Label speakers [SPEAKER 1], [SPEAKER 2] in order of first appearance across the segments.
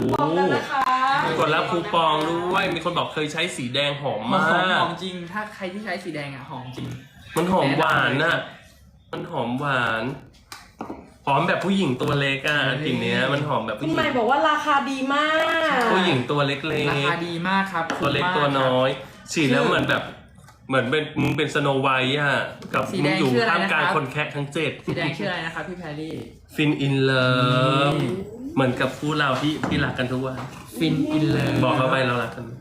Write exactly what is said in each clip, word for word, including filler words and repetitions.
[SPEAKER 1] ปองแล้วนะคะ
[SPEAKER 2] กดรับคูปองด้วยมีคนบอกเคยใช้สีแดงหอมมาก
[SPEAKER 3] หอมจริงถ้าใครที่ใช้สีแดงอ่ะหอมจริง
[SPEAKER 2] มันหอมหวานน่ะมันหอมหวานหอมแบบผู้หญิงตัวเล็กอ่ะกลิ่นเนี้ยมันหอมแบบผู้หญิง
[SPEAKER 1] คุณใหม่บอกว่าราคาดีมาก
[SPEAKER 2] ผู้หญิงตัวเล็กๆ
[SPEAKER 3] ราคาดีมากครับ
[SPEAKER 2] ตัวเล็กตัวน้อยฉีดแล้วเหมือนแบบเหมือนเป็นมึงเป็นสโนไวท์อ่ะกับมึงอยู่ท่ามกลางคนแคะทั้งเจ็ด
[SPEAKER 3] สีแดงชื่ออะไรนะครับพี่แพรรี่
[SPEAKER 2] ฟินอินเลิฟเหมือนกับคู่เราที่ที่รักกันทุกวัน
[SPEAKER 3] ฟินอินเลิฟ
[SPEAKER 2] บอกเขาไปเรารักกัน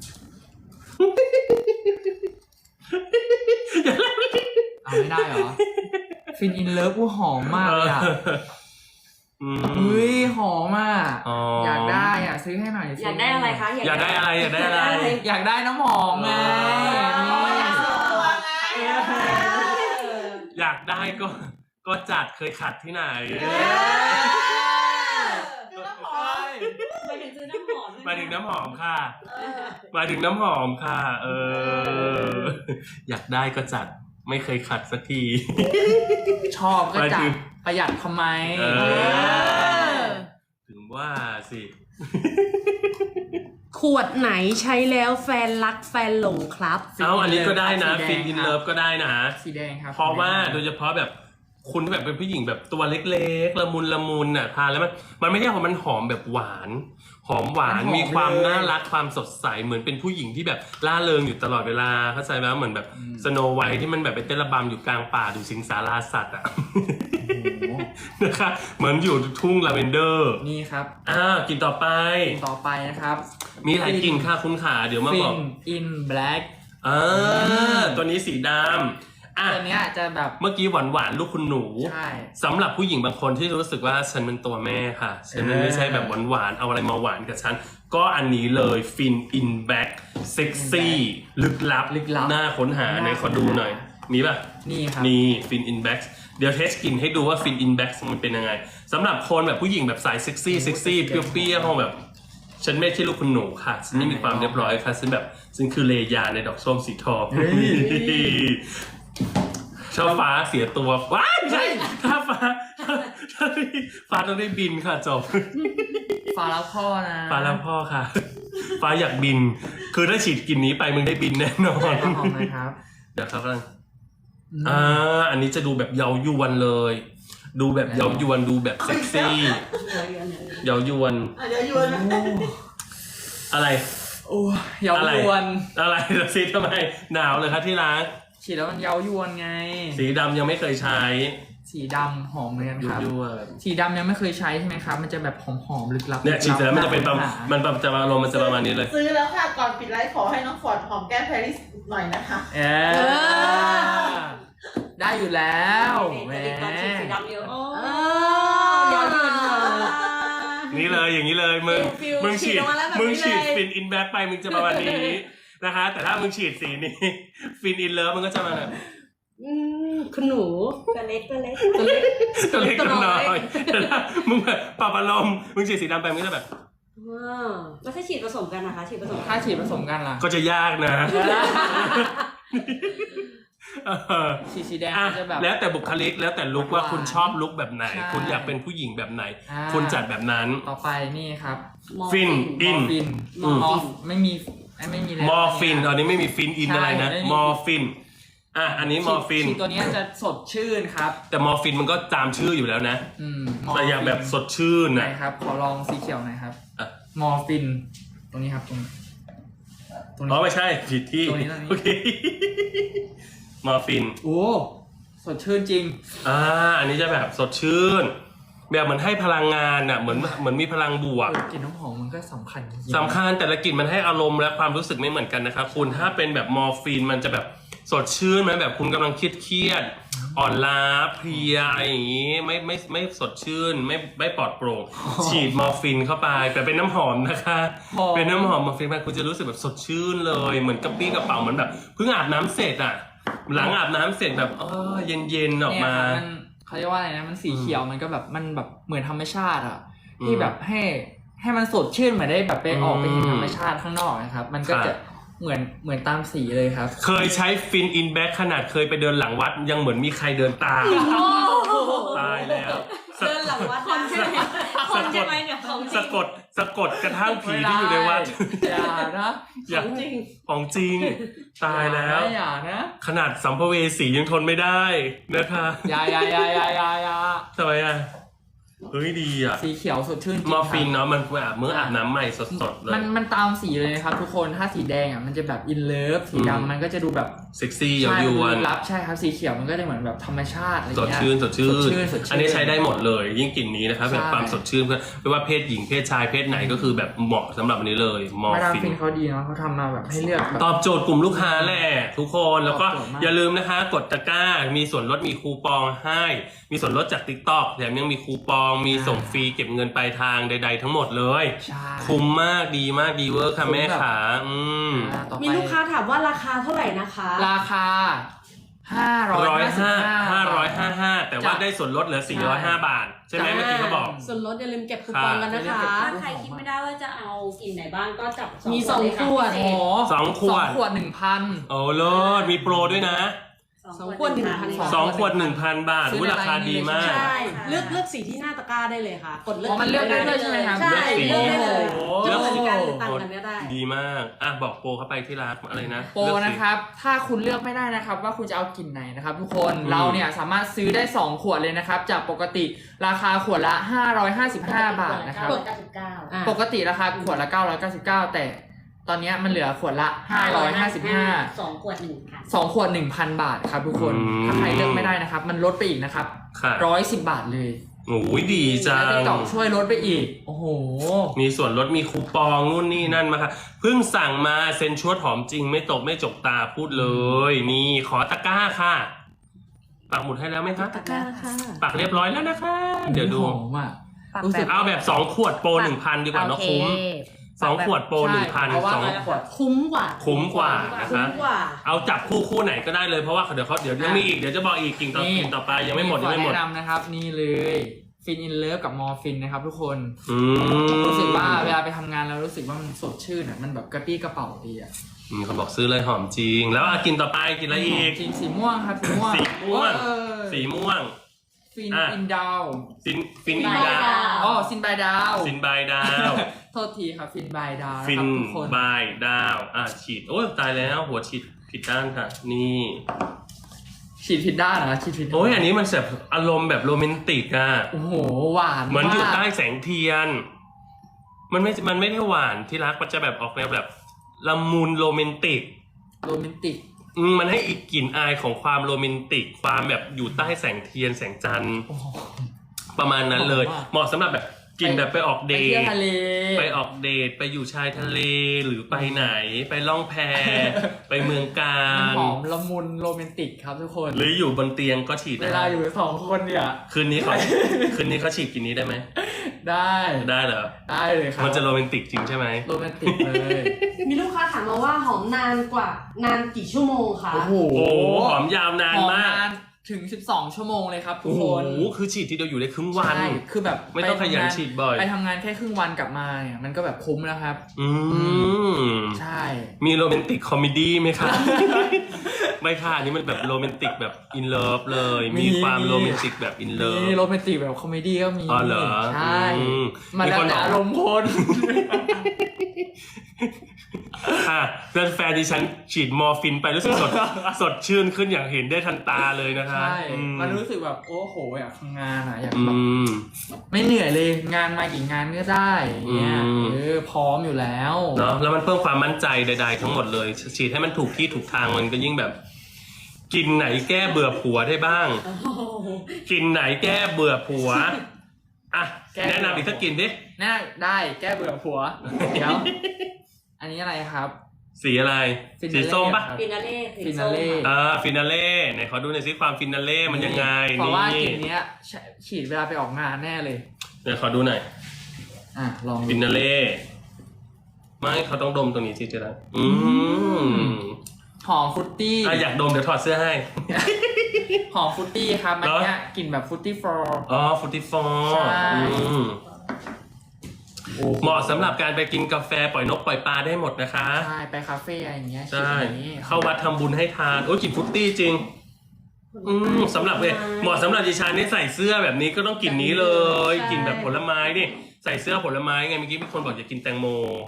[SPEAKER 3] เอาไม่ได้เหรอฟินอินเลิฟกูหอมมากเลยอ่ะอุ้ยหอมอ่ะอยากได้อ่ะซื้อให้หน่อย
[SPEAKER 1] อยากได้อะไรคะ
[SPEAKER 2] อยากได้อะไรอยากได้อะไร
[SPEAKER 3] อยากได้น้ำหอมไง
[SPEAKER 2] อยากได้ก็ก็จัดเคยขัดที่ไหน
[SPEAKER 1] มาถึงซื้อน้ำหอม
[SPEAKER 2] มาถึงน้ำหอมค่ะมาถึงน้ำหอมค่ะเอออยากได้ก็จัดไม่เคยขัดสักที
[SPEAKER 3] ชอบก็จัดประหยัดทำไม
[SPEAKER 2] ถึงว่าสิ
[SPEAKER 1] ขวดไหนใช้แล้วแฟนรักแฟนหลงครับ
[SPEAKER 2] เอ้าอันนี้ก็ได้นะฟินอินเลิฟก็ได้นะ
[SPEAKER 3] สีแดงครับ
[SPEAKER 2] เพราะว่าโดยเฉพาะแบบคุณที่แบบเป็นผู้หญิงแบบตัวเล็กๆละมุนละมุนน่ะทานแล้วมันมันไม่ใช่ว่ามันหอมแบบหวานหอมหวานมีความน่ารักความสดใสเหมือนเป็นผู้หญิงที่แบบล่าเริงอยู่ตลอดเวลาเข้าใจไหมเหมือนแบบสโนไวท์ที่มันแบบไปเต้นระบำอยู่กลางป่าดูสิงสาราสัตว์อ่ะนะคะเหมือนอยู่ทุ่งลาเวนเดอร์
[SPEAKER 3] นี่ครับ
[SPEAKER 2] อ่ากินต่อไป
[SPEAKER 3] กินต่อไปนะครับ
[SPEAKER 2] มีหลายกลิ่นค่ะคุณขาเดี๋ยวมาบอก
[SPEAKER 3] Fin in Black
[SPEAKER 2] อ่าตัวนี้สีดำ
[SPEAKER 3] ตัวนี้จะแบบ
[SPEAKER 2] เมื่อกี้หวานหวานลูกคุณหนู
[SPEAKER 3] ใช่
[SPEAKER 2] สำหรับผู้หญิงบางคนที่รู้สึกว่าฉันเป็นตัวแม่ค่ะฉันไม่ใช่แบบหวานหวานเอาอะไรมาหวานกับฉันก็อันนี้เลย Fin in Black เซ็กซี่ลึกลับน่าค้นหาในขอดูหน่อยมีป่ะ
[SPEAKER 3] นี่ครับ
[SPEAKER 2] นี่ Fin in Black เดี๋ยวเทสกลิ่นให้ดูว่า Fin in Black มันเป็นยังไงสำหรับคนแบบผู้หญิงแบบสายเซ็กซี่เซ็กซี่เปรี้ยวๆแบบฉันไม่ใช่ลูกคุณหนูค่ะฉันไม่มีความเรียบร้อยค่ะฉันแบบฉันคือเลยาในดอกส้มสีทองชอบฟ้าเสียตัวว้ายใช่ถ้าฟ้าฟ้าต้องได้บินค่ะจบ
[SPEAKER 3] ฟ้าแล้วพ่อนะ
[SPEAKER 2] ฟ้าแล้วพ่อค่ะฟ้าอยากบินคือถ้าฉีดกลิ่นนี้ไปมึงได้บินแน่นอน
[SPEAKER 3] หอมไหมครับ
[SPEAKER 2] เดี๋ยวครับอ่าอันนี้จะดูแบบเยาว์ยวนเลยดูแบบเยาว์ยวนดูแบบเซ็กซี่เยาว์ยวน
[SPEAKER 1] เยาว์ยวน
[SPEAKER 2] อะไร
[SPEAKER 3] โอ้เยาว์ยวน
[SPEAKER 2] อะไรสีทำไมหนาวเลยครับที่ร้าน
[SPEAKER 3] ฉีดแล้วมันเยาว์ยวนไง
[SPEAKER 2] สีดำยังไม่เคยใช้
[SPEAKER 3] สีดำหอมเหมือนกันครับสีดำยังไม่เคยใช้ใช่ไหมครับมันจะแบบหอมๆลึกลับ
[SPEAKER 2] เนี่ยฉีดแล้วมันจะเป็นมันแบบจะมาลมมันจะประมาณนี้เลย
[SPEAKER 1] ซื้อแล้วค่ะก่อนปิดไลฟ์ขอให้น้องฟอร์ดหอมแก้มแพรรี่หน่อยนะคะ
[SPEAKER 3] เออได้อยู่แล้วแหม
[SPEAKER 1] สีดำเยอะ
[SPEAKER 3] เยาว์ยวน
[SPEAKER 2] นี่เลยอย่างนี้เลยมึงมึงฉีดมึงฉีดฟินอินแบ็คไปมึงจะประมาณนี้นะคะแต่ถ้ามึงฉีดสีนี้ฟินอินเลิฟมันก็จะมาแบบ
[SPEAKER 1] คุณหนูตัวเล็กตัวเล็ก
[SPEAKER 2] ตัวเล็กตัวเล็กตัวน้อยแต่ถ้ามึงแบบปรับอารมณ์มึงฉีดสีดำไปมึงจะแบบ
[SPEAKER 1] แล้วถ้าฉีดผสมกันนะคะฉีดผสม
[SPEAKER 3] ถ้าฉีดผสมกันล่ะ
[SPEAKER 2] ก็จะยากนะ
[SPEAKER 3] สีสีแดงจะแบบ
[SPEAKER 2] แล้วแต่บุคลิกแล้วแต่ลุคว่าคุณชอบลุคแบบไหนคุณอยากเป็นผู้หญิงแบบไหนคุณจัดแบบนั้น
[SPEAKER 3] ต่อไปนี่ครับ
[SPEAKER 2] ฟินอิน
[SPEAKER 3] มอฟไม่มีไม่มี
[SPEAKER 2] มอร์ฟินตอนนี้ไม่มีฟินอินอะไรนะมอร์ฟินอ่ะอันนี้มอร์ฟิน
[SPEAKER 3] ตัวนี้จะสดชื่นครับ
[SPEAKER 2] แต่มอร์ฟินมันก็ตามชื่ออยู่แล้วนะแต่อย่างแบบสดชื่นนะ
[SPEAKER 3] ครับขอลองสีเขียวหน่อยครับมอร์ฟินตรงนี้ครับตรงนี้
[SPEAKER 2] ตรงนี้อ๋อไม่ใช่ผิดที่โอเคมอร์ฟิน
[SPEAKER 3] โอ้สดชื่นจริง
[SPEAKER 2] อ่าอันนี้จะแบบสดชื่นแบบเหมือนให้พลังงานอ่ะเหมือนเหมือนมีพลังบวก
[SPEAKER 3] กลิ่นน้ำหอมมันก็สำคัญ
[SPEAKER 2] สำคัญแต่ละกลิ่นมันให้อารมณ์และความรู้สึกไม่เหมือนกันนะครับคุณถ้าเป็นแบบมอร์ฟีนมันจะแบบสดชื่นไหมแบบคุณกำลังเครียดเครียดอ่อนล้าเพลียอะไรอย่างงี้ไม่ไม่ไม่สดชื่นไม่ไม่ปลอดโปร่งฉีดมอร์ฟีนเข้าไปแต่เป็นน้ำหอมนะคะเป็นน้ำหอมมอร์ฟีนไปคุณจะรู้สึกแบบสดชื่นเลยเหมือนกระปี้กระเป๋าเหมือนแบบเพิ่งอาบน้ำเสร็จอ่ะหลังอาบน้ำเสร็จแบบเออเย็นเย็นออกมา
[SPEAKER 3] เขาเรียกว่าอะไรนะมันสีเขียวมันก็แบบมันแบบเหมือนธรรมชาติอ่ะที่แบบให้ให้มันสดชื่นเหมือนได้แบบไปออกไปเห็นธรรมชาติข้างนอกนะครับมันก็จะเหมือนเหมือนตามสีเลยครับ
[SPEAKER 2] เคยใช้ฟินอินแบ็คขนาดเคยไปเดินหลังวัดยังเหมือนมีใครเดินตามตายแล้ว
[SPEAKER 1] เดินหลังวัดคนใช่ไหมคนใช่ไหมเนี่ย
[SPEAKER 2] สะกดสะกดกระทั่งผีที่อยู่ในวัด
[SPEAKER 3] อย่านะ
[SPEAKER 2] อย่า
[SPEAKER 1] ของจริง
[SPEAKER 2] ของจริงตายแล้ว
[SPEAKER 3] อย่านะ
[SPEAKER 2] ขนาดสัมภเวสียังทนไม่ได้นะคะ
[SPEAKER 3] อย่าอย่าอย่าอย่าอย่าอย่า
[SPEAKER 2] ทำไมอ่ะเฮ้ยดีอ่ะ
[SPEAKER 3] สีเขียวสดชื่นจริง
[SPEAKER 2] มอร์
[SPEAKER 3] ค
[SPEAKER 2] ฟิน
[SPEAKER 3] รับ
[SPEAKER 2] เนาะมันอาบเมื่ออาบน้ำใหม่สดๆเลย
[SPEAKER 3] มันมันตามสีเลยนะครับทุกคนถ้าสีแดงอ่ะมันจะแบบอินเลิฟสี
[SPEAKER 2] อืม
[SPEAKER 3] ดำมันก็จะดูแบบ
[SPEAKER 2] เซ็กซี่ยา
[SPEAKER 3] ใช่
[SPEAKER 2] วยวน
[SPEAKER 3] ลึกลับใช่ครับสีเขียวมันก็จะเหมือนแบบธรรมชาติอะไร
[SPEAKER 2] สด
[SPEAKER 3] เงี้ย
[SPEAKER 2] ชื่นสดชื่
[SPEAKER 3] สดชื่น
[SPEAKER 2] น
[SPEAKER 3] สดชื่น
[SPEAKER 2] อันนี้ใช้ได้หมดเลย ยิ่งกลิ่นนี้นะครับ
[SPEAKER 3] ใช่
[SPEAKER 2] แบบความสดชื่นเพื่อไม่ว่าเพศหญิงเพศชายเพศไหนก็คือแบบเหมาะสำหรับอันนี้เลยมอ
[SPEAKER 3] มา
[SPEAKER 2] ร์
[SPEAKER 3] ดาม
[SPEAKER 2] ฟิน
[SPEAKER 3] ฟินเขาดีเนาะเขาทำมาแบบให้เลือกแบบ
[SPEAKER 2] ตอบโจทย์กลุ่มลูกค้าแหละทุกคนแล้วก็
[SPEAKER 3] ตอบโจทย์มาก
[SPEAKER 2] อย่าลืมนะคะกดตะกร้ามีส่วนลดมีคูปองให้ มีส่วนลดจาก TikTok แถมยังมีคูปองมีส่งฟรีเก็บเงินปลายทางใด ๆ ทั้งหมดเลย
[SPEAKER 3] ใช่
[SPEAKER 2] คุ้มมากดีมากดีเวอร์ค่ะ
[SPEAKER 3] คุ้ม
[SPEAKER 2] แม่
[SPEAKER 3] แบบ
[SPEAKER 2] ขาอืม
[SPEAKER 3] อ่าต่อไป
[SPEAKER 4] มีลูกค้าถามว่าราคาเท่าไหร่นะคะ
[SPEAKER 3] ราคาห้าร้อย
[SPEAKER 2] ร้อย
[SPEAKER 3] ห้าสิบ
[SPEAKER 2] ห้า
[SPEAKER 3] ห้า
[SPEAKER 2] ห้าร้อยห้าห้าแต่ว่า
[SPEAKER 3] จ้ะ
[SPEAKER 2] ได้ส่วนลดเหลือสี่ร้อยห้าบาท ใช่ไหม
[SPEAKER 3] จ้ะ
[SPEAKER 2] เมื่อกี้เขาบอก
[SPEAKER 4] ส่วนลดอย่าลืมเก็บคูปองกันนะคะ
[SPEAKER 3] ค่ะ
[SPEAKER 5] ถ้าใครคิดไม่ได้ว่าจะเอากลิ่นไหนบ้างก็จับ
[SPEAKER 4] มีสอง
[SPEAKER 5] เลยค่ะ
[SPEAKER 4] ขวด
[SPEAKER 5] พิ
[SPEAKER 3] โอ้
[SPEAKER 5] เศ
[SPEAKER 3] โห
[SPEAKER 5] ษ
[SPEAKER 2] สองขวด
[SPEAKER 3] สองขวดหนึ่งพัน
[SPEAKER 2] โอ้เลิศมีโปรด้วยนะ
[SPEAKER 4] สองขวดหนึ่งพัน
[SPEAKER 2] สองขวดหนึ่งพันบาท
[SPEAKER 3] ซื้อ
[SPEAKER 2] อุ๊ย
[SPEAKER 3] ใน
[SPEAKER 2] ราคาดีมาก
[SPEAKER 4] ใช่เลือกเลือกสีที่หน้าตะกร้าได้เลยค่ะ กดเลือก
[SPEAKER 3] อ๋อมันเลือกได้เลยใช่ไหมครับ
[SPEAKER 4] ใช่
[SPEAKER 2] เลือกสี
[SPEAKER 4] เลือกได้เลย
[SPEAKER 3] โอ้
[SPEAKER 4] จะ
[SPEAKER 3] โห
[SPEAKER 4] เหมือนกันหรือต่างกันก็ได้
[SPEAKER 2] ดีมากอ่ะบอกโปรเข้าไปที่ร้านอะไรนะ
[SPEAKER 3] โปร
[SPEAKER 2] เลือกสิ
[SPEAKER 3] นะครับ ถ้าคุณเลือกไม่ได้นะครับ ว่าคุณจะเอากลิ่นไหนนะครับทุกคน
[SPEAKER 2] อืม
[SPEAKER 3] เราเนี่ยสามารถซื้อได้สองขวดเลยนะครับ จากปกติราคาขวดละห้าร้อยห้าสิบห้าบาทนะครับ
[SPEAKER 5] เก้าสิบเก้า
[SPEAKER 4] อ่ะ
[SPEAKER 3] ปกติราคาขวดละเก้าร้อยเก้าสิบเก้าแต่ตอนเนี้ยมันเหลือขวดละห้าร้อยห้าสิบห้า
[SPEAKER 5] สองขวดหนึ่งพัน
[SPEAKER 3] สองขวดหนึ่งพันบาทครับทุกคน
[SPEAKER 2] อืม
[SPEAKER 3] ถ้าใครเลือกไม่ได้นะครับ มันลดไปอีกนะครับ
[SPEAKER 2] ค่ะ
[SPEAKER 3] ร้อยสิบบาทเลย
[SPEAKER 2] โอ้ยดีจั
[SPEAKER 3] แล้ว
[SPEAKER 2] ง
[SPEAKER 3] ติ๊กต็อกช่วยลดไปอีก โอ้โห
[SPEAKER 2] มีส่วนลดมีคูปองนู่นนี่นั่นมาค่ะเพิ่งสั่งมาเซ็นชวดหอมจริงไม่ตกไม่จกตาพูดเลย นี่ขอตะกร้าค่ะปักหมุดให้แล้วไหมคะ
[SPEAKER 4] ตะกร้าค่ะ
[SPEAKER 2] ปักเรียบร้อยแล้วนะคะ เดี๋ยวดู
[SPEAKER 3] หอมอ่ะ
[SPEAKER 6] ปรับ
[SPEAKER 3] รู้สึก
[SPEAKER 6] แบบ
[SPEAKER 2] เอาแบบสองขวดโปรหนึ่งพันดีกว่าเนาะ
[SPEAKER 6] โอเค
[SPEAKER 2] คุ้มสองขวดโปรหนึ่งพัน
[SPEAKER 3] เพราะว่า
[SPEAKER 2] สอง
[SPEAKER 3] ขวด
[SPEAKER 4] คุ้มกว่า
[SPEAKER 2] คุ้มกว่านะ
[SPEAKER 4] คุ้
[SPEAKER 2] คะ
[SPEAKER 4] มกว่า
[SPEAKER 2] เอาจับคู่คู่ไหนก็ได้เลยเพราะว่าเดี๋ยวเขาเดี๋ยวยังมีอีกเดี๋ยวจะบอกอีกกิ่งต่อกิ่งต่อไปยังไม่หมดยังไม่หมด
[SPEAKER 3] ขอแนะนำนะครับ นี่เลยฟินอินเลิฟกับมอร์ฟินนะครับทุกคน
[SPEAKER 2] อืม
[SPEAKER 3] รู้สึกว่าเวลาไปทำงานแล้วรู้สึกว่ามันสดชื่นอ่ะมันแบบกระปี้กระเป๋าดีอ่ะ
[SPEAKER 2] อืมเขาบอกซื้อเลยหอมจริง แล้วอ่ะกินต่อไปกินอะไรอีก
[SPEAKER 3] จริงสีม่วงครับสีม่วง
[SPEAKER 2] สีม่วง
[SPEAKER 3] เออ
[SPEAKER 2] สีม่วง
[SPEAKER 3] ฟิน
[SPEAKER 2] อ่ะ
[SPEAKER 3] อินดาว
[SPEAKER 2] ฟินฟิน
[SPEAKER 5] ฟิ
[SPEAKER 2] อี
[SPEAKER 5] น
[SPEAKER 2] ดา
[SPEAKER 5] บายดาว
[SPEAKER 3] อ๋อซินบายดาว
[SPEAKER 2] ฟินบายดาว
[SPEAKER 3] โทษทีครับฟินบายดาวนะ
[SPEAKER 2] ฟิ
[SPEAKER 3] คน รับทุกคน
[SPEAKER 2] บายดาวอ่ะฉีดโอ้ยตายแล้วหัวฉีดผิดด้านค่ะ นี่
[SPEAKER 3] ฉีดผิดด้านนะฉีดผิดด้าน
[SPEAKER 2] โอ้ยอันนี้มันแบบอารมณ์แบบโรแมนติกอ่ะ
[SPEAKER 3] โอ้โหหวาน
[SPEAKER 2] เหมือนอยู่
[SPEAKER 3] าก
[SPEAKER 2] ใต้แสงเทียน มันไม่ มันไม่ได้หวานที่รัก มันจะแบบออกแนวแบบละมุนโรแมนติก
[SPEAKER 3] โรแมนติก
[SPEAKER 2] อืมมันให้อีกกลิ่นอายของความโรแมนติก ความแบบอยู่ใต้แสงเทียนแสงจันทร์
[SPEAKER 3] โอ้โห
[SPEAKER 2] ประมาณนั้นเลย
[SPEAKER 3] หอมมาก
[SPEAKER 2] เหมาะสำหรับแบบกินแบบไปออก
[SPEAKER 3] ไป
[SPEAKER 2] เด
[SPEAKER 3] เที่ยว
[SPEAKER 2] ท
[SPEAKER 3] ทะเล
[SPEAKER 2] ไปออกเดท ไปอยู่ชายทะเล หรือไปไหน ไปล่องแพ ไปเมืองกา
[SPEAKER 3] มัน
[SPEAKER 2] ญ
[SPEAKER 3] หอมละมุนโรแมนติกครับทุกคน
[SPEAKER 2] หรืออยู่บนเตียงก็ฉีด
[SPEAKER 3] เว
[SPEAKER 2] ได้
[SPEAKER 3] ลาอยู่สองคนเนี่ย
[SPEAKER 2] คืนนี้เขา คืนนี้เขาฉีดกินนี้ได้ไหม
[SPEAKER 3] ได้
[SPEAKER 2] ได้เหรอ
[SPEAKER 3] ได้เลยครับ
[SPEAKER 2] มันจะโรแมนติกจริงใช่ไหม
[SPEAKER 3] โรแมนติกเลย
[SPEAKER 4] มีลูกค้าถามมาว่าหอมนานกว่านานกี่ชั่วโมงคะ
[SPEAKER 3] โอ้โห
[SPEAKER 2] โอ้โหหอมยาวนาน
[SPEAKER 3] หอม
[SPEAKER 2] มาก
[SPEAKER 3] นานถึงสิบสองชั่วโมงเลยครับทุ
[SPEAKER 2] โอ้
[SPEAKER 3] ก
[SPEAKER 2] โห
[SPEAKER 3] คน
[SPEAKER 2] คือฉีดทีเดียวอยู่ได้ครึ่งวัน
[SPEAKER 3] ใช่คือแบบ
[SPEAKER 2] ไม่ต้องขยันฉีดบ่อย
[SPEAKER 3] ไปทำงานแค่ครึ่งวันกลับมาเนี่ยมันก็แบบคุ้มแล้วครับ
[SPEAKER 2] อืม
[SPEAKER 3] ใช่
[SPEAKER 2] มีโรแมนติกคอมเมดี้ไหมคะ ไม่ค่ะอันนี้มันแบบโรแมนติกแบบอินเลิฟเลย มีความโรแมนติกแบบอินเลิฟ
[SPEAKER 3] มีโรแมนติกแบบคอมเมดี้ก็มี
[SPEAKER 2] อ๋อเหรอ
[SPEAKER 3] ใช่
[SPEAKER 2] อืม
[SPEAKER 3] มันแล้ว
[SPEAKER 2] มีคน
[SPEAKER 3] แต่
[SPEAKER 2] บอก
[SPEAKER 3] อารมณ์คน
[SPEAKER 2] อ่ะเพื่อนแฟนดิฉันฉีดมอร์ฟินไปรู้สึกสด สดชื่นขึ้นอย่างเห็นได้ทันตาเลยนะคะ
[SPEAKER 3] ใช่
[SPEAKER 2] อืม
[SPEAKER 3] มันรู้สึกแบบโอ้โหอยากทำงานอ่ะอยาก
[SPEAKER 2] อื
[SPEAKER 3] แบบ
[SPEAKER 2] ม
[SPEAKER 3] ไม่เหนื่อยเลยงานมากี่งานก็ได้อย่างเงี้ย
[SPEAKER 2] อืม
[SPEAKER 3] เออพร้อมอยู่แล้ว
[SPEAKER 2] เนาะแล้วมันเพิ่มความมั่นใจใดๆทั้งหมดเลย ฉีดให้มันถูกที่ถูกทางมันก็ยิ่งแบบ กินไหนแก้เบื่อผัวได้บ้าง กินไหนแก้เบื่อผัวอ่ะ
[SPEAKER 3] แก้
[SPEAKER 2] แนะนำอีกสักกินดิ
[SPEAKER 3] น่าได้แก้เบื่อผัว เดี๋ยว อันนี้อะไรครับ
[SPEAKER 2] สีอะไร
[SPEAKER 3] ฟินาเล่
[SPEAKER 2] สีส้มปะ
[SPEAKER 3] ครับ
[SPEAKER 5] ฟินาเล่
[SPEAKER 3] ฟินาเล่
[SPEAKER 2] อ่าฟินาเล่ไหนขอดูหน่อยสิความฟินาเล่มันยังไง
[SPEAKER 3] เพราะว่ากลิ่
[SPEAKER 2] นี่
[SPEAKER 3] นเนี้ยฉีดเวลาไปออกงานแน่เลย
[SPEAKER 2] เดี๋ยวขอดูหน่อย
[SPEAKER 3] อ่ะลองดู
[SPEAKER 2] ฟินาเล่ไม่เขาต้องดมตรงนี้สิเจ๊ละอืม
[SPEAKER 3] หอมฟรุตตี้
[SPEAKER 2] อ่ะอยากดมเดี๋ยวถอดเสื้อให้
[SPEAKER 3] หอมฟรุตตี้ครับมัน
[SPEAKER 2] เหรอ
[SPEAKER 3] เนี้ยกลิ่นแบบฟรุตตี้ฟลอร์
[SPEAKER 2] อ๋อฟูติฟอ
[SPEAKER 3] ใช่
[SPEAKER 2] ร์เหมาะสำหรับการไปกินกาแฟปล่อยนกปล่อยปลาได้หมดนะคะ
[SPEAKER 3] ใช่ไปคาเฟ่อะไรอย่างเงี้ย
[SPEAKER 2] ใช่
[SPEAKER 3] ฉีดอย่างนี้
[SPEAKER 2] เข้าวัดทำบุญให้ทานโอ้ยกลิ่นฟรุตตี้จริง อืมสำหรับเลยเหมาะสำหรับดิฉันนี่ใส่เสื้อแบบนี้ก็ต้องกลิ่นนี้เลย
[SPEAKER 4] ใช่
[SPEAKER 2] กลิ่นแบบผลไม้นี่ใส่เสื้อผลไม้ไงเมื่อกี้มีคนบอกอยากกินแตงโม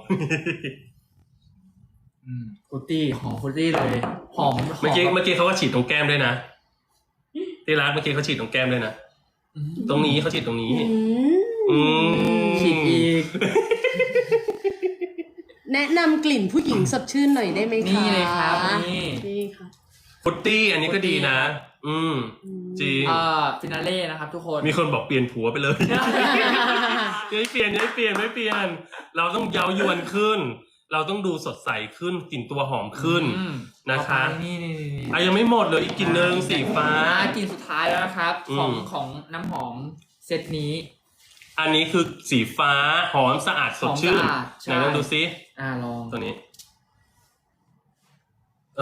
[SPEAKER 3] อืมฟรุตตี้หอมฟรุตตี้เลยหอม
[SPEAKER 2] เมื่อกี้
[SPEAKER 3] ห
[SPEAKER 2] เมื่อกี้เขาก็ฉีดตรงแก้มด้วยนะที่รักเมื่อกี้เขาฉีดตรงแก้มด้วยนะ
[SPEAKER 3] อืม
[SPEAKER 2] ตรงนี้เขาฉีดตรงนี้
[SPEAKER 4] อืม
[SPEAKER 2] อืม
[SPEAKER 3] ฉีดอีก
[SPEAKER 4] แนะนำกลิ่นผู้หญิงสดชื่นหน่อยได้ไหมคะ
[SPEAKER 3] นี่เลยครับนี่
[SPEAKER 4] นี่ค่ะ
[SPEAKER 2] ฟุตตี้อันนี้ก็ดีนะ อืม จริง
[SPEAKER 3] เอ่อฟินาเล่นะครับทุกคน
[SPEAKER 2] มีคนบอกเปลี่ยนผัวไปเลย อย่าให้เปลี่ยนอย่าให้เปลี่ยนไม่เปลี่ยน เราต้องเย้ายวนขึ้น เราต้องดูสดใสขึ้นกลิ่นตัวหอมขึ้น
[SPEAKER 3] อืม
[SPEAKER 2] นะคะ
[SPEAKER 3] ต่อไปนี่นี่นี่นี่
[SPEAKER 2] อ่ะยังไม่หมดเลยอีกกลิ่นหนึ่งสีฟ้า
[SPEAKER 3] อ่ากลิ่นสุดท้ายแล้วนะครับ
[SPEAKER 2] อืม
[SPEAKER 3] ของของน้ำหอมเซตนี้
[SPEAKER 2] อันนี้คือสีฟ้าหอมสะอาดสดชื่น
[SPEAKER 3] หอมสะอาดใช่
[SPEAKER 2] ไหนลองดูซิ
[SPEAKER 3] อ่าลอง
[SPEAKER 2] ตัวนี้ เอ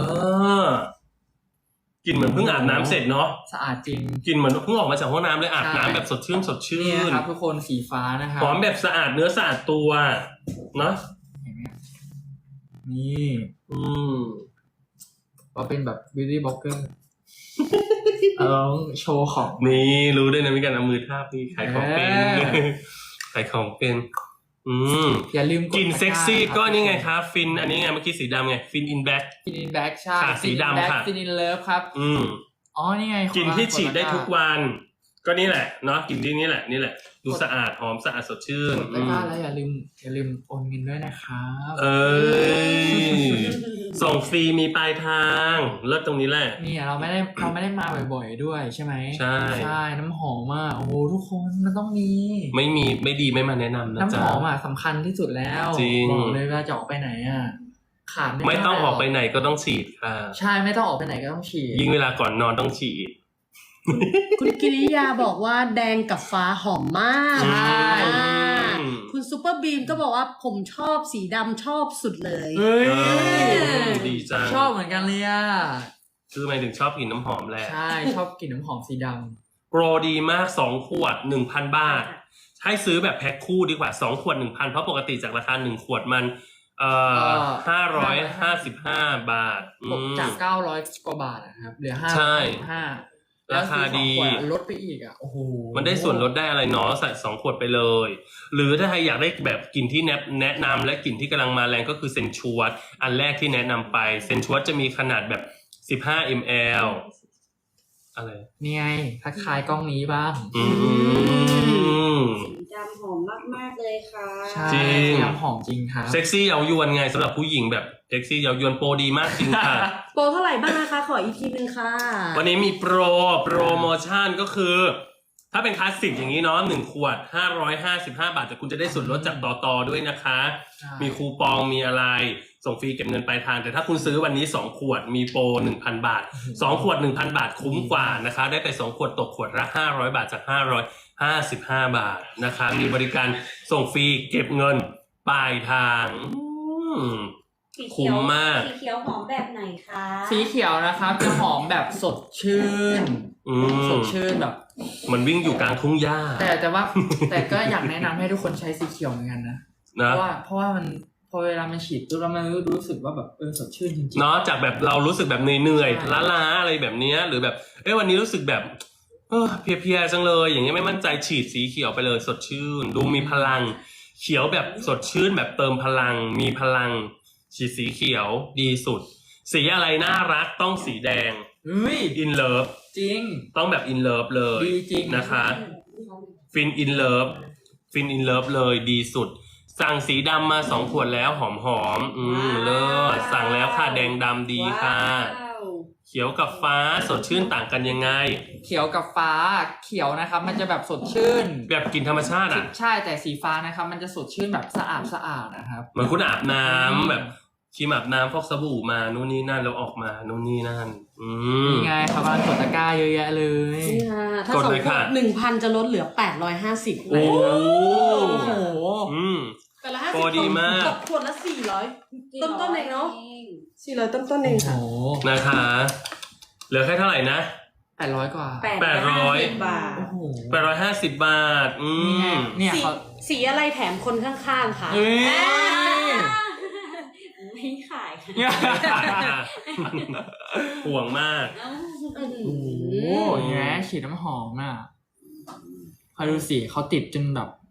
[SPEAKER 2] อกลิ่นเหมือนเพิ่งอาบน้ำเสร็จเนาะ
[SPEAKER 3] สะอาดจริง
[SPEAKER 2] กลิ่นเหมือนเพิ่งออกมาจากห้องน้ำเลยอาบ
[SPEAKER 3] ใช่
[SPEAKER 2] น้ำแบบสดชื่นสดชื่
[SPEAKER 3] นี่
[SPEAKER 2] น
[SPEAKER 3] นะครับทุกคนสีฟ้านะครับ
[SPEAKER 2] หอมแบบสะอาดเนื้อสะอาดตัวเนาะ
[SPEAKER 3] เห็นไหมนี่
[SPEAKER 2] อืม
[SPEAKER 3] เราเป็นแบบ beauty blogger เอาโชว์ของ
[SPEAKER 2] นี่รู้ด้วยนะมีการเอามือทาบนี่ขายของเป็น
[SPEAKER 3] เออ
[SPEAKER 2] ขายของเป็น อืม
[SPEAKER 3] อย่าลืม
[SPEAKER 2] กลิ่นเซ็กซี่
[SPEAKER 3] ตะร้า
[SPEAKER 2] ก็นี่ไงครับฟินอันนี้ไงเมื่อกี้สีดำไงฟินอินแบ็ค
[SPEAKER 3] ฟินอินแบ็กใช่
[SPEAKER 2] ค่ะสีดำค่ะ
[SPEAKER 3] ฟินอินเลิฟครับ
[SPEAKER 2] อืม
[SPEAKER 3] อ๋อนี่ไง
[SPEAKER 2] กลิ่นที่ฉีดได้ทุกวัน ก็นี่แหละเนาะกลิ่นที่นี่แหละนี่แหละ ดูสะอาดหอมสะอาดสดชื่น
[SPEAKER 3] กดตะกร้าแล้วอย่าลืมอย่าลืมโอนเงินด้วยนะครับ
[SPEAKER 2] เอ้ยส่งฟรีมีปลายทางเลิศตรงนี้แหละ
[SPEAKER 3] นี่เราไม่ได้เราไม่ได้มาบ่อยๆด้วยใช่ไหม
[SPEAKER 2] ใช่
[SPEAKER 3] ใช่น้ำหอมอ่ะโอ้โหทุกคนมันต้องมี
[SPEAKER 2] ไม่มีไม่ดีไม่มาแนะนำนะ
[SPEAKER 3] น้ำห
[SPEAKER 2] จ๊ะ
[SPEAKER 3] อมอ่ะสำคัญที่สุดแล้ว
[SPEAKER 2] จริง
[SPEAKER 3] บอกเลยเวลาจะออกไปไหนอ่ะขาดไม่ได้
[SPEAKER 2] ไม่ต้องออกไปไหนก็ต้องฉีดค่ะ
[SPEAKER 3] ใช่ไม่ต้องออกไปไหนก็ต้องฉีด
[SPEAKER 2] ยิ่งเวลาก่อนนอนต้องฉีด
[SPEAKER 4] คุณกิริยาบอกว่าแดงกับฟ้าหอมมาก
[SPEAKER 2] ใช่
[SPEAKER 4] อ่าคุณซูเปอร์บีมก็บอกว่าผมชอบสีดำชอบสุดเลย
[SPEAKER 3] เฮ้ย
[SPEAKER 2] เออดีจัง
[SPEAKER 3] ชอบเหมือนกันเลยอ่ะ
[SPEAKER 2] คือหมายถึงชอบกลิ่นน้ำหอมแหละ
[SPEAKER 3] ใช่ชอบกลิ่นน้ำหอมสีด
[SPEAKER 2] โปรดีมากสองขวด หนึ่งพัน บาท ให้ซื้อแบบแพ็คคู่ดีกว่าสองขวด หนึ่งพัน เพราะปกติจากราคาหนึ่งขวดมันเอ่อห้าร้อยห้าสิบห้าบาทอื
[SPEAKER 3] ำ
[SPEAKER 2] ม
[SPEAKER 3] จากเก้าร้อยกว่าบาทนะครับเหลือห้า
[SPEAKER 2] ใช่
[SPEAKER 3] ห้า
[SPEAKER 2] ราคาดี
[SPEAKER 3] ลดไปอีกอ่ะโอ้โห
[SPEAKER 2] มันได้ส่วนลดได้อะไรเนาะใส่สองขวดไปเลย หรือถ้าใครอยากได้แบบกลิ่นที่แนะแนะนำและกลิ่นที่กำลังมาแรงก็คือเซนชวดอันแรกที่แนะนำไปเซนชวดจะมีขนาดแบบสิบห้ามิลลิลิตร อะไร
[SPEAKER 3] นี่ไงทักทายกล้องนี้บ้าง
[SPEAKER 2] อืม
[SPEAKER 5] สีดำหอมมากๆเลยค่ะ
[SPEAKER 3] ใช่
[SPEAKER 2] จริง
[SPEAKER 3] น้ำหอมจริงครับ
[SPEAKER 2] เซ็กซี่เย้ายวนไงสำหรับผู้หญิงแบบเซ็กซี่เย้ายวนโปรดีมากจริงค่ะ
[SPEAKER 4] โปรเท่าไหร่บ้างนะคะ ขออีกทีนึงค่ะ
[SPEAKER 2] วันนี้มีโปรโปรโมชั่นก็คือ ถ้าเป็นคลาสสิกอย่างนี้เนาะหนึ่งขวดห้าร้อยห้าสิบห้าบาทแต่คุณจะได้ส่วนลดจากต่อต่อด้วยนะคะ
[SPEAKER 3] ใช่
[SPEAKER 2] มีคูปองมีอะไรส่งฟรีเก็บเงินปลายทางแต่ถ้าคุณซื้อวันนี้สองขวดมีโปร หนึ่งพัน บาทสองขวด หนึ่งพัน บาทคุ้มกว่านะคะได้ไปสองขวดตกขวดละห้าร้อยบาทจากห้าร้อยห้าสิบห้าบาทนะคะมีบริการส่งฟรีเก็บเงินปลายทางอืม
[SPEAKER 5] สีเขียว
[SPEAKER 2] คุ้มมาก
[SPEAKER 5] สีเขียวหอมแบบไหนคะ
[SPEAKER 3] สีเขียวนะครับจะหอมแบบสดชื่น
[SPEAKER 2] อื
[SPEAKER 3] ส
[SPEAKER 2] ม
[SPEAKER 3] ดชื่นแบบ
[SPEAKER 2] เหมือนวิ่งอยู่กลางทุ่งหญ้า
[SPEAKER 3] แต่แต่ว่า แต่ก็อยากแนะนำให้ทุกคนใช้สีเขียวเหมือนกันนะเพ
[SPEAKER 2] นะ
[SPEAKER 3] ราะว่าเพราะว่ามันพอเวลามันฉีดปุ๊บแล้วมันรู้สึกว่าแบบเออสดชื่นจริงๆ
[SPEAKER 2] เนาะจากแบบเรารู้สึกแบบเหนื่อย
[SPEAKER 3] ใช่
[SPEAKER 2] ๆล้าๆอะไรแบบเนี้ยหรือแบบเอ้ยวันนี้รู้สึกแบบเออเพลียๆจังเลย อย่างเงี้ยไม่มั่นใจฉีดสีเขียวไปเลยสดชื่น ดูมีพลัง เขียวแบบสดชื่นแบบเติมพลัง มีพลัง ฉีดสีเขียวดีสุด สีอะไรน่ารักต้องสีแดง
[SPEAKER 3] เฮ้ย
[SPEAKER 2] อินเลิฟ
[SPEAKER 3] จริง
[SPEAKER 2] ต้องแบบอินเลิฟเลย
[SPEAKER 3] ดีจริง
[SPEAKER 2] นะคะฟินอินเลิฟฟินอินเลิฟเลยดีสุด สั่งสีดำมาสองขวดแล้วหอมหอมๆอืมเลิศสั่งแล้วค่ะแดงดำดีค่ะ
[SPEAKER 5] ว้าว
[SPEAKER 2] เขียวกับฟ้าสดชื่นต่างกันยังไง
[SPEAKER 3] เขียวกับฟ้าเขียวนะครับ มันจะแบบสดชื่น
[SPEAKER 2] แบบกลินธรรมชาติอ่ะ
[SPEAKER 3] ใช่แต่สีฟ้านะครับ มันจะสดชื่นแบบสะอาดสะอาดนะครับ
[SPEAKER 2] เหมือนคุณอาบน้
[SPEAKER 3] อืม
[SPEAKER 2] ำแบบครีมอาบน้ำฟอกสบู่มานู่นนี่นั่นแล้วออกมานู่นนี่นั่น อืม
[SPEAKER 3] นี่ไงครับกำลังกดตะกร้าเยอะแยะเลย
[SPEAKER 4] นี่ค่ะถ้าก
[SPEAKER 2] ด
[SPEAKER 4] สอง
[SPEAKER 2] เลย
[SPEAKER 4] ขว
[SPEAKER 2] ค่ะ
[SPEAKER 4] ดหนึ่งพันจะลดเหลือแปดร้อยห้าสิบ
[SPEAKER 2] โอ้
[SPEAKER 3] โอ้โห
[SPEAKER 2] อืม
[SPEAKER 4] แปดร้อยห้าสิ
[SPEAKER 2] โปร
[SPEAKER 4] บ
[SPEAKER 2] ดีมาก
[SPEAKER 4] ตกขวดละสี่ร้อยต้นต้นๆเองเนาะสี่ร้อยต้นต้นๆเอง
[SPEAKER 3] โอ้โห
[SPEAKER 4] ค่ะ
[SPEAKER 2] นะคะ เหลือแค่เท่าไหร่นะ
[SPEAKER 3] แปดร้อยกว่า
[SPEAKER 2] แปดร้อย
[SPEAKER 5] บาท
[SPEAKER 3] โอ้โห
[SPEAKER 2] แปดร้อยห้าสิบบาท อื
[SPEAKER 3] นี่ไง
[SPEAKER 2] ม
[SPEAKER 3] เนี่ย
[SPEAKER 4] สี
[SPEAKER 3] เขา
[SPEAKER 4] สีอะไรแถมคนข้างๆค่ะ
[SPEAKER 3] เฮ้ย
[SPEAKER 5] ไม่ขายค่ะ
[SPEAKER 2] ห่วงมาก
[SPEAKER 3] โอ้โหแง่ฉีดน้ำหอมอ่ะคอยดูสิเขาติดจนแบบ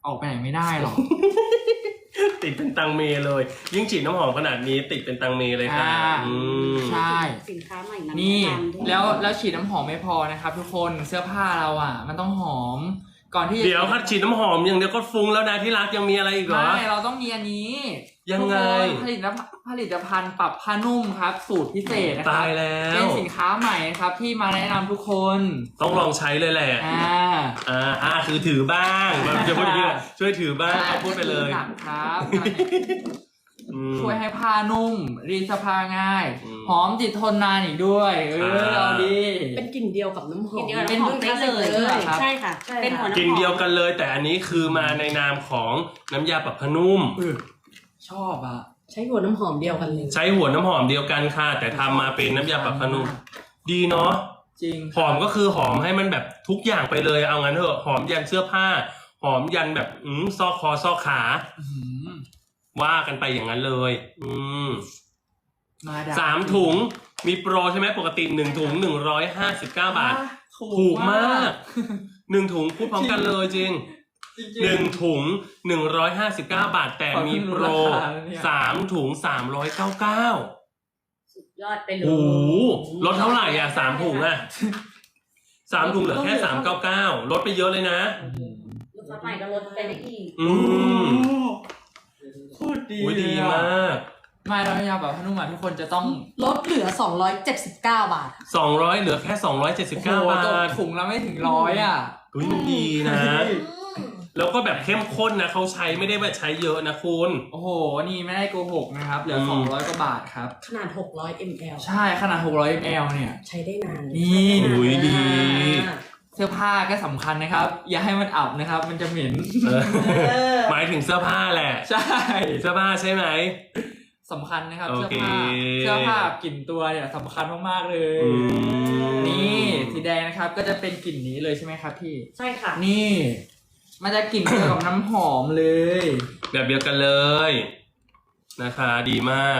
[SPEAKER 3] ออกไปไหนไม่ได้หรอก
[SPEAKER 2] ติดเป็นตังเมเลย ยิ่งฉีดน้ำหอมขนาดนี้ติดเป็นตังเมเลยค่ะ
[SPEAKER 3] อ่า
[SPEAKER 2] อืม
[SPEAKER 3] ใช่
[SPEAKER 5] สินค้าใหม่นำ
[SPEAKER 3] นี่
[SPEAKER 5] แะำด้วย
[SPEAKER 3] แล้วแล้วฉีดน้ำหอมไม่พอนะครับ ทุกคนเสื้อผ้าเราอ่ะ มันต้องหอมก่อนที่จะ
[SPEAKER 2] เดี๋ยวคัดฉีดน้ำหอมอย่างเดียวก็ฟุ้งแล้วนะที่รักยังมีอะไรอีกเหรอ
[SPEAKER 3] ไม่เราต้องมีอันนี้
[SPEAKER 2] ยังไง
[SPEAKER 3] ทุกคนผลิตภัณฑ์ผลิตภัณฑ์ปรับผ้านุ่มครับ สูตรพิเศษนะครั
[SPEAKER 2] ตายแล้ว
[SPEAKER 3] เป็นสินค้าใหม่นะครับที่มาแนะนำทุกคน
[SPEAKER 2] ต้องลองใช้เลยแหละ
[SPEAKER 3] อ่า
[SPEAKER 2] อ่าอ่าคือถือบ้างแบบจะพูดอย่างนี้ช่วยถือบ้างเอาพูดไปเลย
[SPEAKER 3] หนักครับ
[SPEAKER 2] อืม
[SPEAKER 3] ช่วยให้ผ้านุ่ม รีดเสื้อผ้าง่าย
[SPEAKER 2] อืม
[SPEAKER 3] หอมติดทนนานอีกด้วย เออ
[SPEAKER 2] อ่า
[SPEAKER 3] เอาดี
[SPEAKER 4] เป็นกลิ่นเดียวกับน้ำหอม
[SPEAKER 5] กินเดียว
[SPEAKER 3] เป็น
[SPEAKER 5] น้ำหอมได้เลย
[SPEAKER 3] เป็น
[SPEAKER 5] ใช่ค่ะ
[SPEAKER 4] ใช่ค่ะ
[SPEAKER 5] เป็นหัวน้ำหอม
[SPEAKER 2] กินเดียวกันเลย แต่อันนี้คือมาในนามของน้ำยาปรับผ้านุ่ม
[SPEAKER 3] เออชอบอ่ะ
[SPEAKER 4] ใช้หัวน้ำหอมเดียวกันเลย
[SPEAKER 2] ใช้หัวน้ำหอมเดียวกันค่ะ แต่ทำมาเป็นน้ำยาปรับผ้านุ่ม ดีเนาะ
[SPEAKER 3] จริง
[SPEAKER 2] หอมก็คือหอมให้มันแบบทุกอย่างไปเลยเอางั้นเถอะหอมยันเสื้อผ้า หอมยันแบบอืมซอกคอซอกขา
[SPEAKER 3] อื้อหือ
[SPEAKER 2] ว่ากันไปอย่างนั้นเลย อืม
[SPEAKER 3] มาด
[SPEAKER 2] สามถุงมีโปรใช่ไหมปกติหนึ่งถุงหนึ่งร้อยห้าสิบเก้าบาท ถูกมากหนึ่งถุงพูดพร้อมกันเลยจริง
[SPEAKER 3] จริง
[SPEAKER 2] หนึ่งถุงหนึ่งร้อยห้าสิบเก้าบาท แต่มีโปรสามถุงสามร้อยเก้าเก้า
[SPEAKER 5] สุดยอดไปเลย
[SPEAKER 2] โอ้โหลดเท่าไหร่อ่ะสามถุงอ่ะสามถุงเหลือแค่สามเก้าเก้าลดไปเยอะเลยนะ
[SPEAKER 5] ลูกค้าใหม่ก็ลดไปได้อีก
[SPEAKER 2] อืม
[SPEAKER 3] โคตรดี
[SPEAKER 2] อุ้ยดีมาก
[SPEAKER 3] ไม่แล้วยาแบบพนุ่มอ่ะทุกคนจะต้อง
[SPEAKER 4] ลดเหลือสองร้อยเจ็ดสิบเก้าบาท
[SPEAKER 2] สองร้อยเหลือแค่สองร้อยเจ็ดสิบเก้า
[SPEAKER 3] โอ้โห
[SPEAKER 2] บา
[SPEAKER 3] ตก
[SPEAKER 2] ท
[SPEAKER 3] ถุงละไม่ถึงร้อยอ่ะ
[SPEAKER 2] อุ้ยมันดีนะ แล้วก็แบบเข้มข้นนะเขาใช้ไม่ได้แบบใช้เยอะนะคุณ
[SPEAKER 3] โอ้โห นี่ไม่ได้โกหกนะครับ เหลือ
[SPEAKER 2] อืม
[SPEAKER 3] สองร้อยกว่าบาทครับ
[SPEAKER 4] ขนาดหกร้อยมิลลิลิตร
[SPEAKER 3] ใช่ขนาดหกร้อยมิลลิลิตรเนี่ย
[SPEAKER 4] ใช้ได้นาน
[SPEAKER 3] นี่
[SPEAKER 2] อุ้ยดี
[SPEAKER 3] เสื้อผ้าก็สำคัญนะครับ อย่าให้มันอับนะครับ มันจะเหม็น
[SPEAKER 2] เออ
[SPEAKER 1] เออ
[SPEAKER 2] หมายถึงเสื้อผ้าแหละ
[SPEAKER 3] ใช่
[SPEAKER 2] เสื้อผ้าใช่ไหม
[SPEAKER 3] สำคัญนะครับ
[SPEAKER 2] โอ
[SPEAKER 3] เสื้อ
[SPEAKER 2] เค
[SPEAKER 3] ผ้าเสื้อผ้ากลิ่นตัวเนี่ยสำคัญมากๆเลย
[SPEAKER 2] อืม
[SPEAKER 3] นี่สีแดงนะครับก็จะเป็นกลิ่นนี้เลยใช่ไหมครับพี่
[SPEAKER 5] ใช่ค่ะ
[SPEAKER 3] นี่ มันจะกลิ่นเดียวกับน้ำหอมเลย
[SPEAKER 2] แบบเดียวกันเลยนะคะ ดีมาก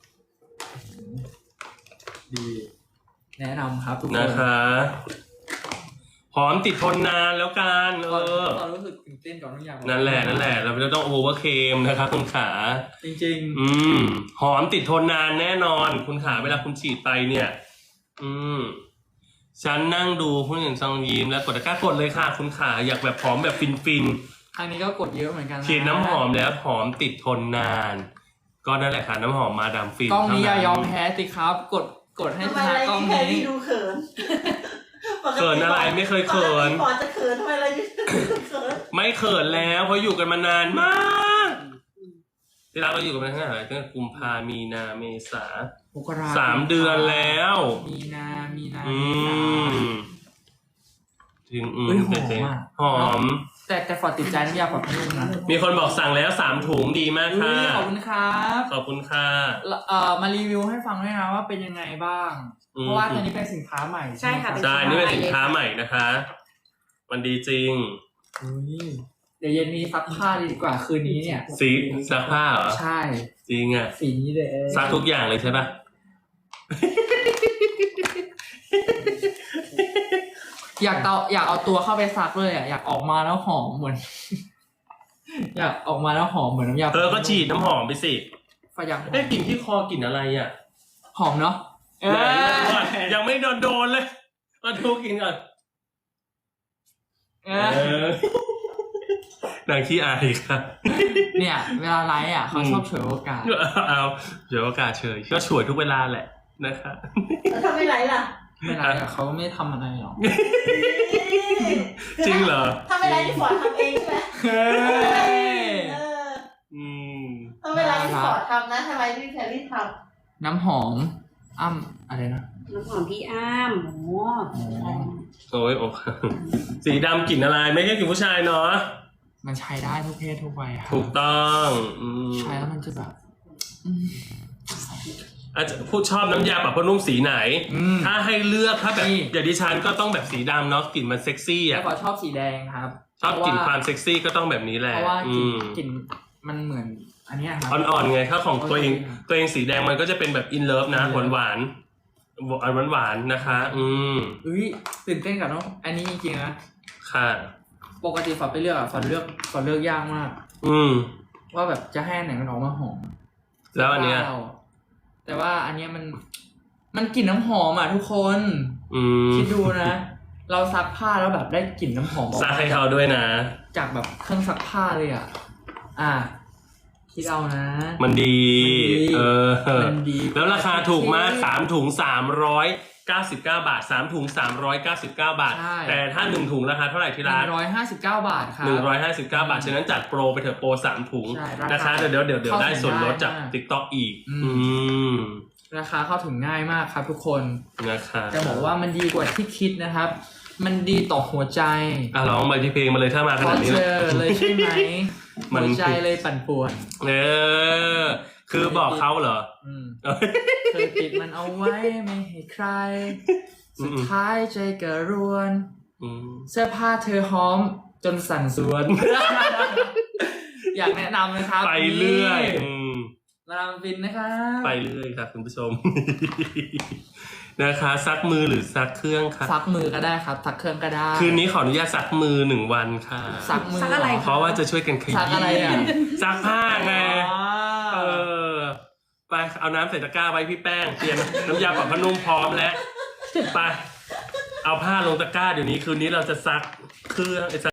[SPEAKER 3] ดี แนะนำครับทุกคน
[SPEAKER 2] นะคะหอมติดทนนานแล้วกันเออ
[SPEAKER 3] ตอนรู้สึกตื่นเต้นก่อนทุกอย่าง
[SPEAKER 2] นั่นแหละนั่นแหละเราจะต้องโอเวอร์เคมนะคะคุณขา
[SPEAKER 3] จริง
[SPEAKER 2] อืม หอมติดทนนานแน่นอน คุณขาเวลาคุณฉีดไปเนี่ย อืม ฉันนั่งดูผู้หญิงซองยิ้มแล้วกดตะกร้ากดเลยค่ะ คุณขาอยากแบบหอมแบบฟินฟิน
[SPEAKER 3] ๆครั้งนี้ก็กดเยอะเหมือนกันนะ
[SPEAKER 2] ๆฉีดน้ำหอมแล้วหอมติดทนนาน ก็นั่นแหละค่ะน้ำหอมมาดามฟิน
[SPEAKER 3] กล้องนี้อย่า
[SPEAKER 2] เท่
[SPEAKER 3] ยอมแพ้สิครับ กดกดให้
[SPEAKER 1] ทำ
[SPEAKER 3] ช
[SPEAKER 1] ไม
[SPEAKER 3] นะ
[SPEAKER 1] อะไร
[SPEAKER 3] กล้อง
[SPEAKER 1] ที่แพร
[SPEAKER 3] นี้
[SPEAKER 1] รี่ดูเขิน
[SPEAKER 2] เขินอะไรไม่เคยเขิน
[SPEAKER 1] ปกติก่อนจะเขินทำไมอะไรที่เขิน
[SPEAKER 2] ไม่เขินแล้วเพราะอยู่กันมานานมากที่เราเราอยู่กันมาตั้งแต่ไหนตั้งแต่กุมภามีนาเมษา
[SPEAKER 3] มกรา
[SPEAKER 2] สามเดือนแล้ว
[SPEAKER 3] มีนา มีนา
[SPEAKER 2] อื
[SPEAKER 3] เมษาม
[SPEAKER 2] ถึงอืม
[SPEAKER 3] เฮ้ยหอม
[SPEAKER 2] แต่
[SPEAKER 3] อะ
[SPEAKER 2] หอม
[SPEAKER 3] แต่แต่ฟอร์ดติดใจน้ำยาปรับผ้านุ่มนะ
[SPEAKER 2] มีคนบอกสั่งแล้วสามถุงดีมาก
[SPEAKER 3] อุ๊
[SPEAKER 2] ค่ะ
[SPEAKER 3] ยขอบคุณครับ
[SPEAKER 2] ขอบคุณค่ะ
[SPEAKER 3] แล้วเอ่อมารีวิวให้ฟังด้วยนะว่าเป็นยังไงบ้าง
[SPEAKER 2] อืม
[SPEAKER 3] เพราะว่าตัวนี้เป็นสินค้าใหม่
[SPEAKER 5] ใช่ค่ะ
[SPEAKER 3] ไหม
[SPEAKER 2] ใช่นี่เป็นสินค้าใหม่นะคะ มันดีจริง
[SPEAKER 3] อุ๊ยเดี๋ยวเย็นนี้ซักผ้าดีกว่าคืนนี้เนี่ย
[SPEAKER 2] สีซักผ้าเหรอ
[SPEAKER 3] ใช่
[SPEAKER 2] จริงอ่ะ
[SPEAKER 3] สีนี้เลย
[SPEAKER 2] ซักทุกอย่างเลยใช่ปะ
[SPEAKER 3] อยากเอาอยากเอาตัวเข้าไปซักเลยอ่ะอยากออกมาแล้วหอมเหมือน อยากออกมาแล้วหอมเหมือนน้ำยา
[SPEAKER 2] เออก็ฉีดน้ำหอมไปสิ
[SPEAKER 3] ฝอยากหอ
[SPEAKER 2] ได้
[SPEAKER 3] ม
[SPEAKER 2] กลิ่นที่คอกลิ่นอะไรอ่ะ
[SPEAKER 3] หอมเนาะเอ
[SPEAKER 2] ไหน
[SPEAKER 3] อ
[SPEAKER 2] ก่อนยังไม่โดนโดนเลยมาดูกลิ่นก่อน
[SPEAKER 3] เอ
[SPEAKER 2] เอ
[SPEAKER 3] อ
[SPEAKER 2] อนางขี้อายค่ะ
[SPEAKER 3] เนี่ยเวลาไลฟ์อ่ะเขาชอบฉวยโอกาส
[SPEAKER 2] เอาเดี๋ยวโอกาสเฉยก็ฉวยทุกเวลาแหละนะคะ
[SPEAKER 1] แล้วทำไม่ไรล่ะ
[SPEAKER 3] ไม่ไลฟ์อะเขาไม่ทำอะไรหรอก
[SPEAKER 2] จริงเหรอ
[SPEAKER 1] ทำไม่ไรที่ฟอร์ดทำเองใช่ไหม
[SPEAKER 3] เฮ้ย
[SPEAKER 1] เออ
[SPEAKER 2] อืม
[SPEAKER 1] ทำไม่ไรที่ฟอร์ดทำนะทำไมที่แพรรี่ท
[SPEAKER 3] น้ำหอม อ้ำอะไรนะ
[SPEAKER 5] น้ำหอมพี่อ้ามโอ้โห
[SPEAKER 2] โอ้ยโอ้สีดำกลิ่นอะไรไม่ใช่กลิ่นผู้ชายเนาะ
[SPEAKER 3] มันใช้ได้ทุกเพศทุกวัยครับ
[SPEAKER 2] ถูกต้องอืม
[SPEAKER 3] ใช้แล้วมันจะแบบอืม
[SPEAKER 2] อาจจะพูดชอบน้ำยาปรับผ้านุ่มสีไหน
[SPEAKER 3] อืม
[SPEAKER 2] ถ้าให้เลือกถ้าแบบ
[SPEAKER 3] นี่
[SPEAKER 2] อย่างดิฉันก็ต้องแบบสีดำเนาะกลิ่นมันเซ็กซี่
[SPEAKER 3] แต่
[SPEAKER 2] อ่ะ
[SPEAKER 3] ขอชอบสีแดงครับ
[SPEAKER 2] ชอบกลิ่นความเซ็กซี่ก็ต้องแบบนี้แหละ
[SPEAKER 3] เพราะว่าก
[SPEAKER 2] อื
[SPEAKER 3] ลิ่น
[SPEAKER 2] ม
[SPEAKER 3] กลิ่นมันเหมือนอันเนี้ยครับ
[SPEAKER 2] อ่อนๆไงถ้าของตัวเอง
[SPEAKER 3] โอเค
[SPEAKER 2] ตัวเองสีแดงมันก็จะเป็นแบบอินเลิฟนะหวานหวานหวานหวานๆนะคะ อืม
[SPEAKER 3] อุ้ยตื่นเต้นกับน้องอันนี้จริงๆนะ
[SPEAKER 2] ค่ะ
[SPEAKER 3] ปกติฝอไปเลือกอะฝอเลือกฝอเลือกยากมาก
[SPEAKER 2] อืม
[SPEAKER 3] ว่าแบบจะให้อันไหนมันออกมาหอม
[SPEAKER 2] แล้วอันเนี้ย
[SPEAKER 3] แต่ว่าอันเนี้ยมันมันกลิ่นน้ำหอมอ่ะทุกคน
[SPEAKER 2] อืม
[SPEAKER 3] คิดดูนะ เราซักผ้าแล้วแบบได้กลิ่นน้ำหอมออก
[SPEAKER 2] ซัก
[SPEAKER 3] มา
[SPEAKER 2] ให้เขาด้วยนะ
[SPEAKER 3] จากแบบเครื่องซักผ้าเลยอ่ะ อ่ะคิดเอานะ
[SPEAKER 2] มันดี
[SPEAKER 3] มันดี
[SPEAKER 2] เออ
[SPEAKER 3] มันดี
[SPEAKER 2] แล้วราคาถูกมากสามถุงสามร้อยเก้าสิบเก้าบาทสามถุงสามร้อยเก้าสิบเก้าบาท
[SPEAKER 3] ใช่
[SPEAKER 2] แต่ถ้าหนึ่งถุงราคาเท่าไหร่ที่
[SPEAKER 3] ห
[SPEAKER 2] ร้า
[SPEAKER 3] นึ่
[SPEAKER 2] น
[SPEAKER 3] งร้อยห้าสิบเก้าบาทครับ
[SPEAKER 2] หนึ่งร้อยห้าสิบเก้าบาทฉะนั้นจัดโปรไปเถอะโปรสามถุง
[SPEAKER 3] ใช่ราคา
[SPEAKER 2] นะคะเดี๋ยวเดี๋ยวเดี๋ยวเดี๋ยวได้ส่วนลดจาก
[SPEAKER 3] เข้าถึงได้มาก
[SPEAKER 2] TikTok อีก
[SPEAKER 3] อืม
[SPEAKER 2] อืม
[SPEAKER 3] ราคาเข้าถึงง่ายมากครับทุกคน
[SPEAKER 2] นะคะ
[SPEAKER 3] จะบอกว่ามันดีกว่าที่คิดนะครับ มันดีต่อหัวใจ
[SPEAKER 2] อ่ะร้องไปที่เพลงมาเลยถ้ามาข
[SPEAKER 3] พอ
[SPEAKER 2] นาดนี้
[SPEAKER 3] เจ
[SPEAKER 2] นะ
[SPEAKER 3] อเลยใช่ไหม
[SPEAKER 2] มัน
[SPEAKER 3] หัวใจเลยปั่นป่วน
[SPEAKER 2] เออ คือบอกเขาเหรอ
[SPEAKER 3] อืม
[SPEAKER 2] เอ้ย
[SPEAKER 3] เคยปิดมันเอาไว้ไม่ให้ใคร สุดท้ายใจกระรวน
[SPEAKER 2] อืม
[SPEAKER 3] เสื้อผ้าเธอหอมจนสั่นสวน อยากแนะนำนะครับ
[SPEAKER 2] ไปเรื่อย
[SPEAKER 3] นี่
[SPEAKER 2] อืม
[SPEAKER 3] มาดามฟินนะครับ
[SPEAKER 2] ไปเรื่อยครับคุณผู้ชม นะคะซักมือหรือซักเครื่องครับ
[SPEAKER 3] ซักมือก็ได้ครับซักเครื่องก็ได้
[SPEAKER 2] คืนนี้ขออนุญาตซักมือหนึ่งวันค่ะ
[SPEAKER 3] ซักมือ
[SPEAKER 5] ซักอะไร
[SPEAKER 2] เพราะว่าจะช่วยกันขยี้
[SPEAKER 3] ซักอะไรอ่ะ
[SPEAKER 2] ซักผ้าไง
[SPEAKER 3] อ๋อ
[SPEAKER 2] เออ ไปเอาน้ำใส่ตะกร้าไว้พี่แป้งเตรียมน้ำยาปรับผ้านุ่มพร้อมแล้ว ไป เอาผ้าลงตะกร้าเดี๋ยวนี้คืนนี้เราจะซักเครื่อง